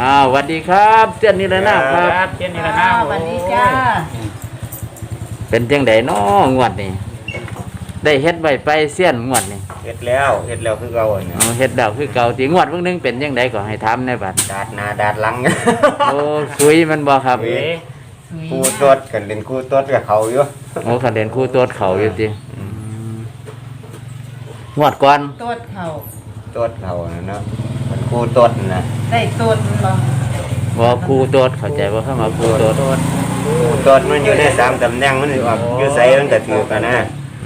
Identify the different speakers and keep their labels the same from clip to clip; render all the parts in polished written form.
Speaker 1: สวัสดีครับเจ้านิรนาถครับ
Speaker 2: เช่นนี้ละนะ
Speaker 3: สวัสดีจ้า
Speaker 1: เป็นจังไดน้องวดนี่ได้เฮ็ดไว้ไปเสี้ยนงวดนี่
Speaker 2: เฮ็ดแล้วคือเก่าเนี่ย
Speaker 1: เฮ็ดดาวคือเก่าที่งวดเพิ่งนึงเป็นจังไดก็ให้ถามในบัด
Speaker 2: ดาดหน้าดาดหลัง
Speaker 1: โอ้คุยมันบ่ครับ
Speaker 2: ครูตดกันเล่นครูตดกับเขาอยู่
Speaker 1: โอ้คันเด่นคู่ตัวเขาอยู่ติงวดก่อน
Speaker 3: ตดเขา
Speaker 2: ตดเขาเนาะมันครูตดนะ
Speaker 3: ได้ตดบ่
Speaker 1: บ่คู่ตัวเข้าใจบ่คำว่าคู่ตัว
Speaker 2: ครูตดมันอยู่ใน3ตำแหน่งมันออกอยู่ไสมันก็ถือกันนะ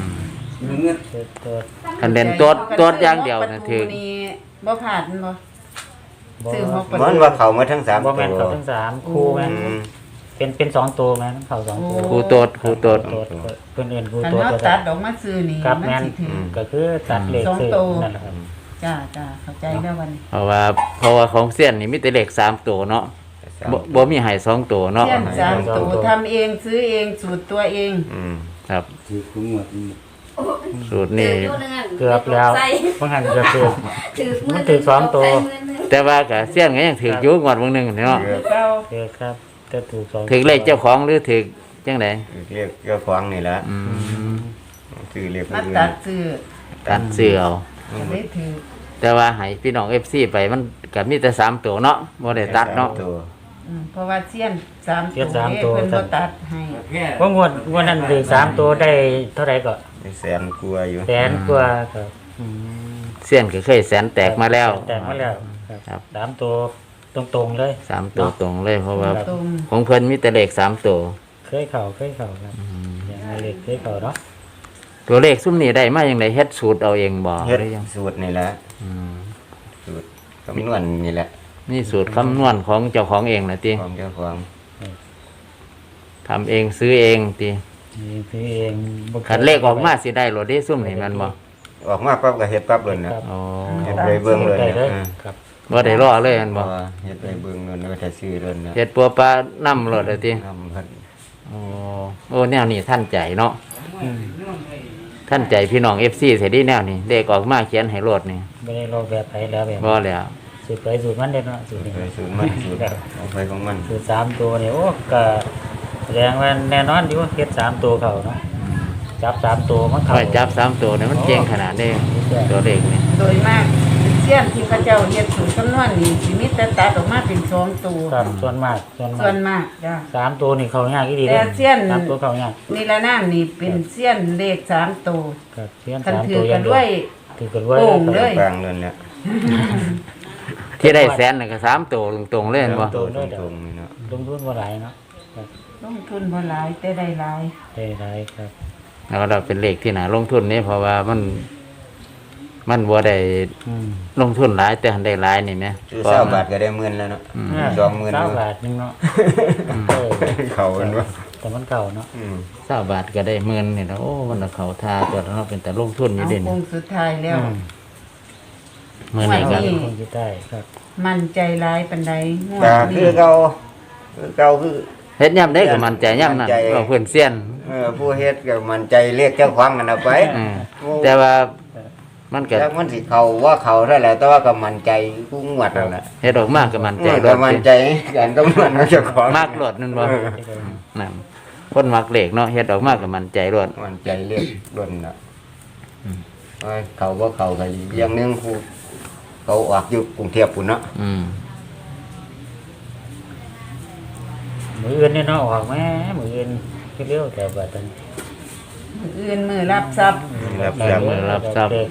Speaker 1: คันเด่นตัวอย่างเดียวน่ะถือ
Speaker 3: บ่ผ่านบ่ซื้อ6ประตู
Speaker 2: มันว่าเขามาทั้ง3
Speaker 4: บ่แม่นเขาทั้ง3คู่แม่นเป็น2ตัวแม่นเขา2ตัว
Speaker 1: คู่ตัวเ
Speaker 4: พิ่นเอิ้นคู่
Speaker 3: ตัว
Speaker 4: ก็
Speaker 3: ตัดออกมาซื้อนี่
Speaker 4: มันสิถือก็คือตัดเลขซื้อนั่นแหละครับ
Speaker 3: จ้าเข้าใจแล้ววันนี้
Speaker 1: เพราะว่าของเสี้ยนนี่มีแต่เลข3ตัวเนาะบ่มีให้2ตัวเนาะ
Speaker 3: เสี้ยน3ตัวทำเองซื้อเองสูตรตัวเอง
Speaker 1: ครับสูตรนี่
Speaker 4: เกือบแล้วบางหันก็คือมันถือ2ตัว
Speaker 1: แต่ว่าก็เสี้ยนก็ยังถืออยู่งวดบางนึงเนาะ
Speaker 4: ถือครับแต่ถูก2
Speaker 1: ถือเลขเจ้าของหรือถือจังได๋
Speaker 2: เรียกเจ้าของนี่ล่ะซื้อเรียก
Speaker 3: มาตัดซื้อ
Speaker 1: เอา
Speaker 3: ได้ถือ
Speaker 1: แต่ว่าให้พี่น้อง FC ไปมันก็มีแต่3ตัวเนาะบ่ได้ตัดเนาะ
Speaker 3: เพราะว่าเสี้ยน3ตัวเพิ่นบ่ตัดให้
Speaker 4: ว่างวดนั้นถือ3ตัวได้เท่าไหร่ก็
Speaker 2: แสนกว่าอยู่
Speaker 4: แสนกว่าครับ
Speaker 1: เสี้ยนก็เคยแสนแตกมาแล้ว
Speaker 4: ครับ3ตัวตรงๆเลย
Speaker 1: 3ตัวตรงเลยเพราะว่าของเพิ่นมีแต่เลข3ตัว
Speaker 4: เคยเข้าครับอย่างเลขเคยเข้าเนาะ
Speaker 1: ตัวเลขซุ่มนี้ได้มาจังได๋เฮ็ดสูตรเอาเองบ่
Speaker 2: เฮ็ดสูตรนี่แหละสูตรคำนวณนี่แหละ
Speaker 1: นี่สูตรคำนวณของเจ้าของเองน่ะติ
Speaker 2: ของเจ้าของ
Speaker 1: ทำเองซื้อเองติ
Speaker 4: ซื้อเอง
Speaker 1: คันเลขออกมาสิได้โลดเด้ซุ่มนี่มันบ่
Speaker 2: ออกมาปั๊บก็เฮ็ดปั๊บเลยนะ
Speaker 1: อ๋อ
Speaker 2: เฮ็ดไปเบิ่งเลย
Speaker 1: ครับบ่ได้รอเลยมันบ่
Speaker 2: เฮ็ดไปเบิ่งเลยก็จะซื้อเลยนะ
Speaker 1: เฮ็ดปัวปลานำโลดเลยติโอ้แนวนี้ท่านใจเนาะท่านใจพี่น้อง FC เสิได้แนวนี้เลขออกมาเขียนให้โลดนี่
Speaker 4: บ่ได้รอแบบไปแล้วแบบ
Speaker 1: บ่แล้ว
Speaker 4: สูตรไปสูตรมันเด้เนาะสูตร
Speaker 2: มันสูตรเอาไปของมัน
Speaker 4: สูตร3ตัวนี่โอ้ก็แสดงว่าแน่นอนอยู่เฮ็ด3ตัวเข้าเนาะจับ3ตัวมันเข้า
Speaker 1: จับ3ตัวนี่มันเก่งขนาดนี้ตัวเลขนี่
Speaker 3: โดยมากเสี้ยนที่พระเจ้าเฮ็ดสูตรคำนวณนี่สิมีแต่ตัดออกมาเป็น2ตัว
Speaker 4: ครับส่วนมาก
Speaker 3: จ้ะ
Speaker 4: 3ตัวนี่เข้ายากอีหลี
Speaker 3: แต่เสี้ยน
Speaker 4: 3ตัวเข้ายาก
Speaker 3: นี่ละน้ำนี่เป็นเสี้ยนเลข3ตัว
Speaker 4: ครับเสี้ยน
Speaker 3: 3ตัวอย่างด้วย
Speaker 4: ถือกันด้วย
Speaker 2: กลางเลยเนี่ย
Speaker 1: ที่ได้แสนน่ะก็3ตัวตรงๆเลยบ่
Speaker 2: ตรงๆนี่เนาะ
Speaker 4: ลงทุนบ่หลายเนาะ
Speaker 3: ลงทุนบ่หลายแต่ได้หลาย
Speaker 4: ครับ
Speaker 1: แล้วเราเป็นเลขที่น่าลงทุนนี่เพราะว่ามันบ่ได้ลงทุนหลายแต่หันได้หลายนี่แหม
Speaker 2: 20บาทก็ได้10,000แล้วเนาะ20,000
Speaker 4: 20บาทนึงเนาะ
Speaker 2: เขาเพิ่นว่า
Speaker 4: แต่มันเก่าเนาะ
Speaker 1: 20บาทก็ได้10,000นี่แล้วโอ้มันเขาทาตัวเนาะเป็นแต่ลงทุนอยู่เด่น
Speaker 3: คงสุดท้ายแล้ว
Speaker 1: มื้อนี้ก็
Speaker 4: คงสิได้ครับ
Speaker 3: มั่นใจหลายปานใด
Speaker 2: งวดนี้คือเก่าคือ
Speaker 1: เฮ็ดยามใดก็มั่นใจยามนั้นเราเพิ่นเซียน
Speaker 2: ผู้เฮ็ดก็มั่นใจเรียกเจ้าของกันเอาไป
Speaker 1: แต่ว่ามันก็
Speaker 2: มันสิเข้าว่าเข้าเท่าไหร่แต่ว่าก็มั่นใจผู้งวดนั่นแหละ
Speaker 1: เฮ็ดออกมาก็มั่นใจ
Speaker 2: ก็มั่นใจกันก็มั่นเจ้าของ
Speaker 1: มักรถนั่นบ่นั่นคนมักเลขเนาะเฮ็ดออกมาก็มั่นใจรถ
Speaker 2: มั่นใจเรียกรถน่ะเขาบ่เข้าก็อย่างนึงผู้เขาออกอยู่กรุงเทพพุ่นเนาะ
Speaker 4: มื้ออื่นนี่เนาะออกแม่มื้ออื่นเร็วแต่บัดนั้น
Speaker 3: มือรับทรัพย์
Speaker 1: รับทรัพย์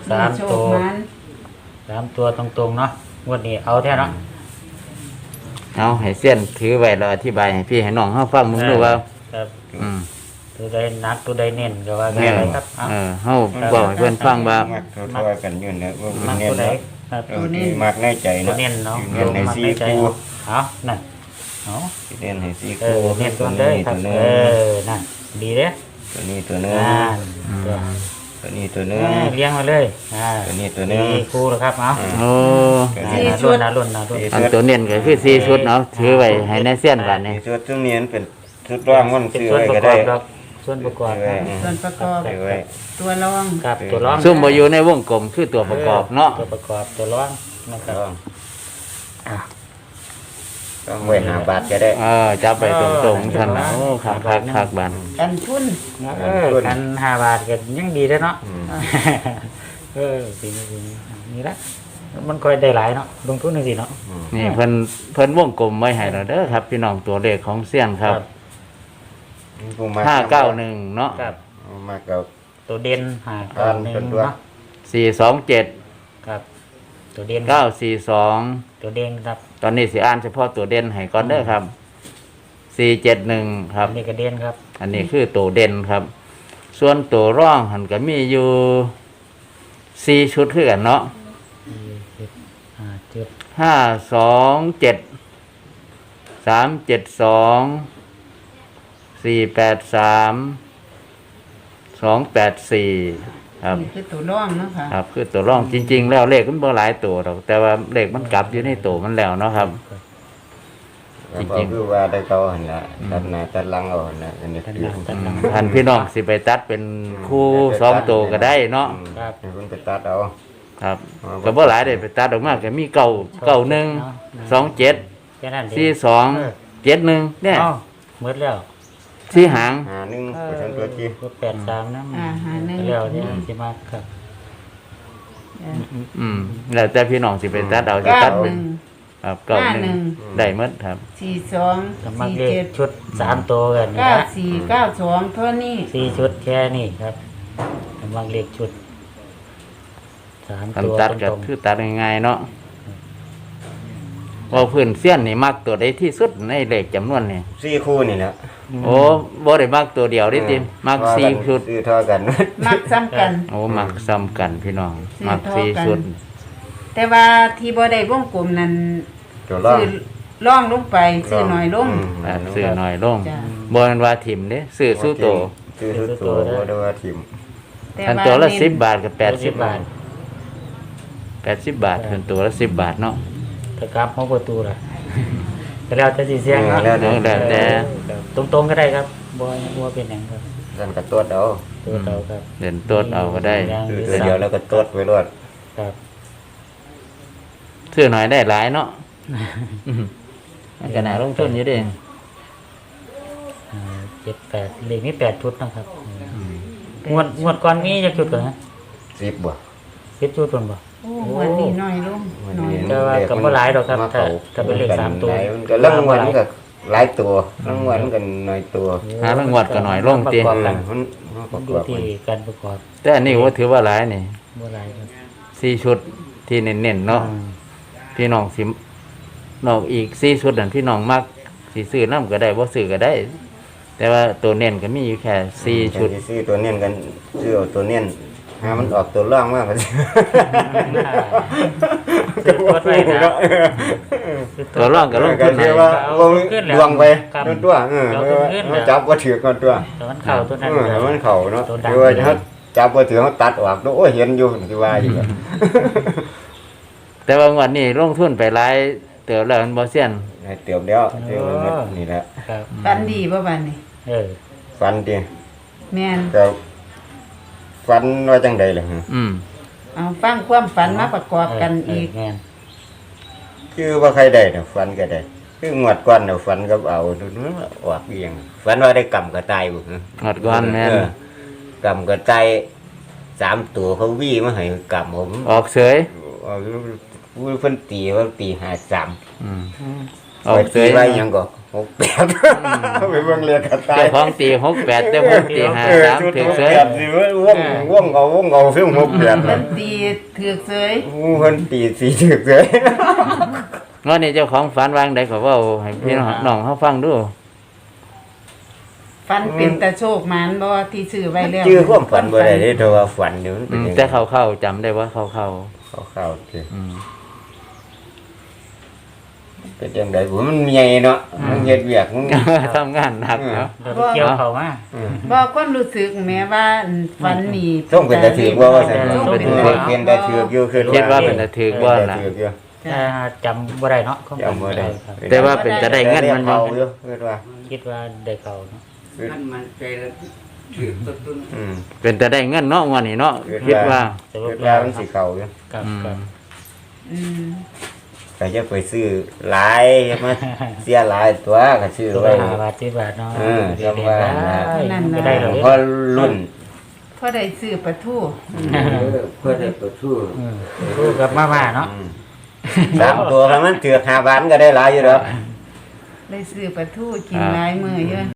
Speaker 4: 3ตัวตรงๆเนาะงวดนี้เอาแท้เนาะ
Speaker 1: เอาให้เส้นถือไว้แล้วอธิบายให้พี่ให้น้องเฮาฟังมึงดูว่า
Speaker 4: ครับตัวใดนักตัวใดเน้นก็ว่าได้ครับ
Speaker 1: เฮาบอกให้เพิ่นฟังว่า
Speaker 2: ทั่วๆกันอยู่เนี่ยว่า
Speaker 4: เน้นตัวใด
Speaker 2: ตัวนี้มักในใจเนาะ
Speaker 4: เน้นเนาะ
Speaker 2: เน้นให้4คู่
Speaker 4: เอานั่นเอา
Speaker 2: เน้นให้4คู่
Speaker 4: เน้นตัวเด้ครับนั่นดีเด้
Speaker 2: ตัวนี้ตัวนึงตัวนี้ตัวนึง
Speaker 4: เลี้ยงมาเลย
Speaker 2: ตัวนี้ตัวนึง
Speaker 4: คู่แล้วครับเอา
Speaker 1: โอ้
Speaker 3: 4ชุด
Speaker 4: รุ่น
Speaker 1: อันตัวเน้นก็คือ4ชุดเนาะถือไว้ให้ในเส้นบัดนี้
Speaker 2: ชุดตรงนี้มันเป็นชุดรองมันซื้อไว้ก็ได้
Speaker 4: ส่วนประกอบ
Speaker 3: ตัวรอง
Speaker 4: ครับตัวรอง
Speaker 1: ซุ่มบ่อยู่ในวงกลมคือตัวประกอบเนาะ
Speaker 4: ตัวประกอบตัวรองนะครับ
Speaker 2: ต้องไว้หาบาทก็ได้
Speaker 1: จับไปตรงๆท่านน่ะโอ้คักบัน
Speaker 3: กันทุน
Speaker 4: กัน5 บาทก็ยังดีแล้วเนาะ
Speaker 2: อืม
Speaker 4: ปีนี้นี่ละมันค่อยได้หลายเนาะลงทุนจังซี่เนาะ
Speaker 1: นี่เพิ่นวงกลมไว้ให้เราเด้อครับพี่น้องตัวเลขของเสี้ยนครับ
Speaker 2: ผู้มา
Speaker 1: 591เนาะ
Speaker 4: ครับ
Speaker 2: มากับ
Speaker 4: ตัวเด่น
Speaker 2: ครับ
Speaker 4: 591
Speaker 2: เป็นตัว
Speaker 4: เนาะ
Speaker 1: 427
Speaker 4: ครับ ตัวเด่น
Speaker 1: 942
Speaker 4: ตัวเด่นครับ
Speaker 1: ตอนนี้สิอ่านเฉพาะตัวเด่นให้ก่อนเด้อครับ 471 ครับ
Speaker 4: อันนี้ก็เด่นครับ
Speaker 1: อันนี้คือตัวเด่นครับ ส่วนตัวร่องหันก็มีอยู่4ชุดคือกันเนาะ
Speaker 4: 7
Speaker 1: 527 372 483 284ครับ
Speaker 3: นี่คือตัวร่องเนาะค่ะ
Speaker 1: ครับคือตัวร่องจริง ๆ แล้วเลขมันบ่หลายตัวหรอกแต่ว่าเลขมันกลับอยู่ในตัวมันแล้วเนาะครับ
Speaker 2: แล้วก็คือว่าได้เขาหั่นล่ะตัดหน้าตัดหลังเอาหั่นล่ะอันนี้คือ
Speaker 1: ท่านพี่น้องสิไปตัดเป็นคู่2ตัวก็ได้เนาะ
Speaker 4: ครับ
Speaker 2: ให้เพิ่นไปตัดเอา
Speaker 1: ครับก็บ่หลายได้ไปตัดออกมาก็มี9 91 27
Speaker 4: แค่นั้นเอง
Speaker 1: 42 71เนี่ย
Speaker 4: เอ้าหมดแล้ว
Speaker 1: ที่หาง
Speaker 2: หาหนึงไปทางตัวที่
Speaker 4: ก็83นะ
Speaker 3: หาหนึ่ง
Speaker 4: แล้วเนี่ยสิมาครับ
Speaker 1: แล้วแต่พี่น้องสิไปตัดเอาสิ
Speaker 3: เก้า
Speaker 1: ตัด
Speaker 3: หนึ่ง
Speaker 1: ครับ
Speaker 3: 51
Speaker 1: ได้หมดครับ
Speaker 3: 42
Speaker 4: สมัครเลขชุด3ตัวกันนะ
Speaker 3: 94 92เท่านี้
Speaker 4: 4ชุดแค่นี้ครับสมัครเลขชุด3
Speaker 1: คัน
Speaker 4: ตัว
Speaker 1: ตัดก็
Speaker 4: ตรง
Speaker 1: คือตัดง่ายๆเนาะว่าพื้นเสี้ยนนี่มักตัวใดที่สุดในเลขจำนวนนี่
Speaker 2: 4คู่นี่แหละ
Speaker 1: โอ้บ่ได้มักตัวเดียวดิติมัก4ชุด
Speaker 2: ซื้อเท่ากัน
Speaker 3: มักซ้ำกัน
Speaker 1: โอ้มักซ้ำกันพี่น้อง
Speaker 3: ซื้อ
Speaker 1: มัก
Speaker 3: เท่ากัน
Speaker 1: 4ชุด
Speaker 3: แต่ว่าที่บ่ได้วงกลมนั้น
Speaker 2: ตัวล่อง
Speaker 3: ซื้อร่องลงไปซื้อหน่อยลง
Speaker 1: ซื้อน้อยลง
Speaker 3: จ้ะ
Speaker 1: บ่แม่นว่าถิ่มเด้ซื้อสู้โต
Speaker 2: ซื้อสู้ตัวบ่ได้ว่าทิ่ม
Speaker 3: แต่
Speaker 1: คัน
Speaker 3: ว่า
Speaker 1: ตัวละ
Speaker 3: เน้น
Speaker 1: 10 บาทกับ
Speaker 4: 80
Speaker 1: 80 บาท80 บาทคันตัวละ10 บาทเนาะ
Speaker 4: ถ้ากราฟของประตูล่ะก็แล้วแต่สิเสียงครับ
Speaker 1: แล้วแต่
Speaker 4: ตรงๆก็ได้ครับบ่เป็นหยังครับ
Speaker 2: นั่นก็ตรวจเอา
Speaker 4: ตัวเก่าครับ
Speaker 1: เด่นตัวเอาก็ได้
Speaker 2: ซื้อตัวเดียวแล้วก็ตรวจไว้รวด
Speaker 4: ครับ
Speaker 1: ซื้อหน่อยได้หลายเนาะมันก็น่าลงทุนอยู่เด้
Speaker 4: 7 8เลขนี้8ชุดนะครับงวดก่อนมีจักชุดก่อนฮะ
Speaker 2: 10บ่
Speaker 4: 10ชุดก่อนบ่
Speaker 3: โอ้วันนี้น้อยลงน้อยลง
Speaker 4: แต่ว่าก็บ่หลายดอกครับถ้าเป็นเลข3ตัว
Speaker 2: มันก็รางวัลมันก็หลายตัวรางวัลมันก็น้อยตัว
Speaker 1: หารางวัลก็น้อยลงติ
Speaker 4: ประกอบกัน
Speaker 2: มันประ
Speaker 4: ดู
Speaker 2: กอบ
Speaker 4: ที่การประกอบ
Speaker 1: แต่อันนี้ว่าถือว่าหลายนี่
Speaker 4: บ่หลายครับ
Speaker 1: 4ชุดที่เน้นๆเนาะพี่น้องสินอกอีก4ชุดนั่นพี่น้องมักสิซื้อนำก็ได้บ่ซื้อก็ได้ แต่ว่าตัวเน้นก็มีอยู่แค่4ชุด
Speaker 2: ซื้อตัวเน้นกันซื้อเอาตัวเน้นหามันออกตัวร่องมากกว่า
Speaker 4: ซื้อตัวไว้นะ
Speaker 1: ตัวร่องก็ลง
Speaker 2: ก็
Speaker 1: ทุน
Speaker 2: เรี
Speaker 1: ให้
Speaker 2: ยกว่าบ่มีดวงไป
Speaker 4: ครับ
Speaker 2: ตัวมันจับบ่ถือกันตัว
Speaker 4: แต่มันเข้าตัวนั้น
Speaker 2: มันเข้าเนาะ
Speaker 4: ตัวดัง
Speaker 2: คือว่าเขาจับบ่ถือเขาตัดออกโอ้ยเห็นอยู่ที่ว่าอยู่
Speaker 1: แต่ว่างวันนี้ลงทุนไปหลายเติบแล้วมันบ่เซียน
Speaker 2: เตรียมแล้วเตรียมนี่แหละ
Speaker 4: ครับ
Speaker 3: ปันดีบ่บัดนี้
Speaker 2: ฟันดิ
Speaker 3: แม่น
Speaker 2: ก็ฟันว่าจังได๋ล่ะ
Speaker 3: เอาฟังความฝันมาประกอบกันอีก
Speaker 4: แม่น
Speaker 2: คือว่าใครได้น่ะฟันก็ได้คืองวดก่อนน่ะฟันก็เอาออกเองฟันว่าได้กำกระต่ายบ่
Speaker 1: หอดก่อนแม่น
Speaker 2: กำกระต่าย3ตัวเขาวี่มาให้กำผม
Speaker 1: ออกเสย
Speaker 2: เพิ่นตีว่าตี53
Speaker 1: ออกเสย
Speaker 2: ไว้ยังก็68ไปเบิ่งเรียกกระต่าย
Speaker 1: เจ้าของตี68แต่ผมตี53ถึงเสย
Speaker 2: สิวงเอาซึ่ง68
Speaker 3: เพิ่นตีถือกเสย
Speaker 2: เพิ่นตี4ถึกเลย
Speaker 1: งอนนี้เจ้าของฝันวางได้ก็เว้าให้พี่น้องเฮาฟังดู
Speaker 3: ฝันเป็นตาโชคหมานบ่ที่ซื้อไว้แล้ว
Speaker 2: ชื่อความฝันบ่ได้เด้แต่ว่าฝันเดี๋ยวมันเป็นจัง
Speaker 1: แต่เข้าๆจำได้ว่าเข้า
Speaker 2: เข้าๆสิ
Speaker 1: ๆอืม
Speaker 2: เป็นจังได๋ผมมันใหญ่เนาะมันเฮ็ดเวียกมัน
Speaker 1: ทำงานหนักเนาะ
Speaker 4: เดี๋ยวไปเกี่ยวเขามา
Speaker 3: บ่ความรู้สึกแม่ว่าฝันนี่
Speaker 2: ต้องเป็นตาถือว่าซั่น
Speaker 3: ต้องเป็น
Speaker 2: เป็นตาถืออยู่คือ
Speaker 1: คิดว่าเป็นตะถือบ่ล่ะ
Speaker 4: จำบ่ได้เนาะ
Speaker 2: จำบ่ได้
Speaker 4: ครับ
Speaker 1: แต่ว่าเป็นจะได้เงินมันบ่
Speaker 2: อยู่คิดว่า
Speaker 4: คิดว่าได้เขาเนาะ
Speaker 5: มันใจแล้วถือต้น
Speaker 1: เป็นแต่ได้เงินเนาะงอนนี้เนาะคิดว่า
Speaker 4: สรุ
Speaker 2: คิ
Speaker 4: ป
Speaker 2: ดว่า
Speaker 4: แล้ว
Speaker 2: มันสิเข้าอยู่
Speaker 4: ครับ
Speaker 1: อืม
Speaker 4: ครับ
Speaker 3: อืม
Speaker 2: ก็จะไปซื้อหลายมาเสียหลายตัวก็ซื้อ
Speaker 4: ตัว
Speaker 2: ไว้
Speaker 4: 5 บาท10 บาทเนาะ
Speaker 2: จำว่า
Speaker 4: ก็ได้แล้ว
Speaker 2: พอรุ่น
Speaker 3: พอได้ซื้อปลาทู
Speaker 5: เพื่อได้ประทู
Speaker 4: รู้กับมาเนาะ
Speaker 2: สามตัวถ้ามันถือ5 บาทก็ได้หลายอยู่แล้ว
Speaker 3: ได้ซื้อปลาทูกินหลายมื้อเยอะ